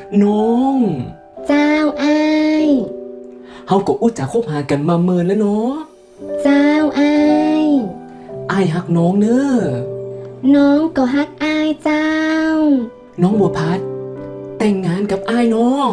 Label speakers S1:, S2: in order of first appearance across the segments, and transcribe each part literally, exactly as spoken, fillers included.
S1: น้อง
S2: เจ้าอ้าย
S1: เฮาก็อุจจาคบหากันมาเมินแล้วเนาะ
S2: เจ้าอ้าย
S1: อ้ายฮักน้องเนอะ
S2: น้องก็ฮักอ้ายเจ้า
S1: น้องบัวพัดแต่งงานกับอ้ายเนาะ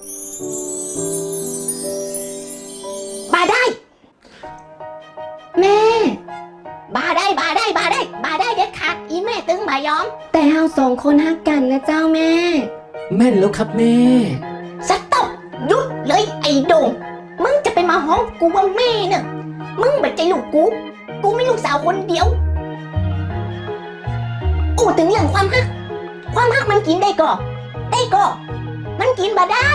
S3: บาได้
S2: แม่
S3: บาได้บาได้บาได้บาได้เด็ดขาดอีแม่ตึงบายอม
S2: แต่เฮาสองคนฮักกันนะเจ้าแม่
S1: แม่นแล้วครับแม่
S3: สต๊อปหยุดเลยไอ้โด่งมึงจะไปมาห้องกูว่าแม่เนอะมึงแบบใจลูกกูกูไม่ลูกสาวคนเดียวโอ้ถึงเรื่องความฮักความฮักมันกินได้ก่อได้ก่อมันกินบาได้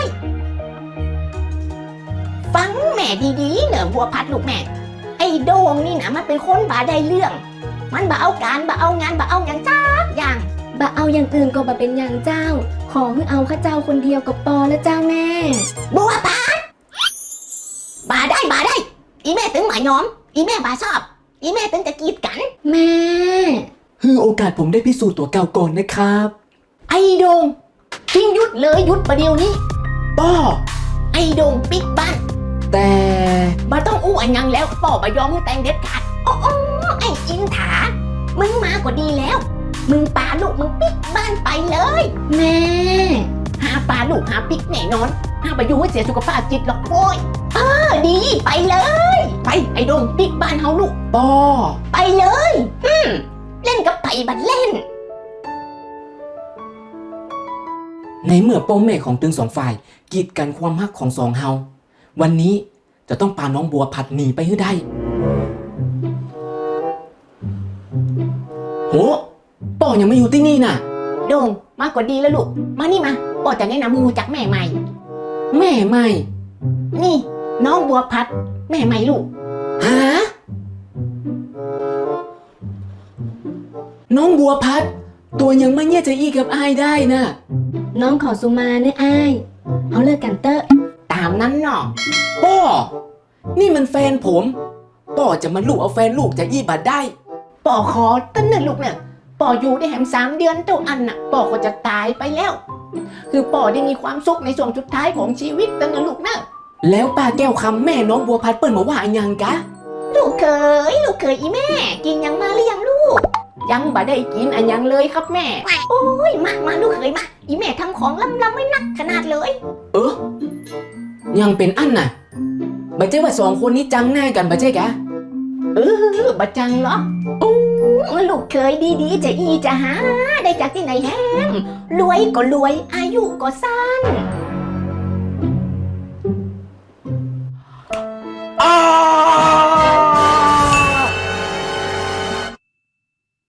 S3: ฟังแม่ดีๆเนอะบัวพัดลูกแม่ไอ้โด่งนี่นะมันเป็นคนบาได้เรื่องมันบาเอาการบาเอางานบาเอาอย่างจ้าอย่าง
S2: บะเอาอย่างอื่นก็บะเป็นอย่างเจ้าขอให้เอาข้าเจ้าคนเดียวกับปอและเจ้าแม่
S3: บัวพัดบาได้บาได้อีแม่ตึงหมายน้อมอีแม่บาชอบอีแม่ตึงจะกีดกัน
S2: แม่
S1: คือโอกาสผมได้พิสูจน์ตัวเก่าก่อนนะครับ
S3: ไอ้โดงทิ้งยุดเลยยุดประเดี๋ยวนี้
S1: ป้อ
S3: ไอ้โดงปิกบ้าน
S1: แต่
S3: บาต้องอู้อันยังแล้วป่อบายอมมือแต่งเด็ดขาดโอ้โอ้ไอ้อินถามึงมาก็ดีแล้วมึงปาลูกมึงปิกบ้านไปเลย
S2: แม่
S3: หาปาลูกหาปิกแน่นอนหาไปอยู่ให้เสียสุขภาพจิตหรอกโว้ยเออดีไปเลยไปไอ้โดงปิกบ้านเฮาลูก
S1: ป้อ
S3: ไปเลยอืมเล่นกับไผ่บัดเล่น
S1: ในเมื่อป้อแม่ของตึงสองฝ่ายกีดกันความฮักของสองเฮาวันนี้จะต้องพาน้องบัวผัดหนีไปให้ได้โหป้อยังไม่อยู่ที่นี่น่ะ
S3: โด่งมากกว่าดีแล้วลูกมานี่มาป้อจะแนะนำมึงรู้จักแม่ใหม่
S1: แม่ใหม่
S3: นี่น้องบัวพัดแม่ใหม่ลูก
S1: ฮะน้องบัวพัดตัวยังไม่เนี่ยจะอีกับอ้ายได้นะ
S2: น้องขอสุมาเนื้ออ้ายเอาเลิกกันเตอะ
S3: ตามนั้นเนาะ
S1: ป้อนี่มันแฟนผมป้อจะมาลูกเอาแฟนลูกจะอีบัดได้
S3: ป้อขอตั้งเนิ่นลูกเนี่ยป้ออยู่ได้แหมสามเดือนเท่าอันน่ะป้อก็จะตายไปแล้วคือป้อได้มีความสุขในช่วงสุดท้ายของชีวิตตั้งเนิ่นลูกนะ
S1: แล้วป้าแก้วคำแม่น้องบัวพัดเปิ้ลมาว่าอย่างกะ
S3: ลูกเคยลูกเคยอีแม่กินยังมาหรือยังลูกยังบ่ได้กินอันยังเลยครับแม่โอ้ยมามาลูกเคยมาอีแม่ทำของล้ำๆไม่นักขนาดเลย
S1: เออยังเป็นอันน่ะบัจเจ้ว่าสองคนนี้จังหน้ากันบัจเจ้กะ
S3: เออบัจังเหรอโอ้ลูกเคยดีๆจะอีจะหาได้จากที่ไหนแฮมรวยก็รวยอายุก็สั้น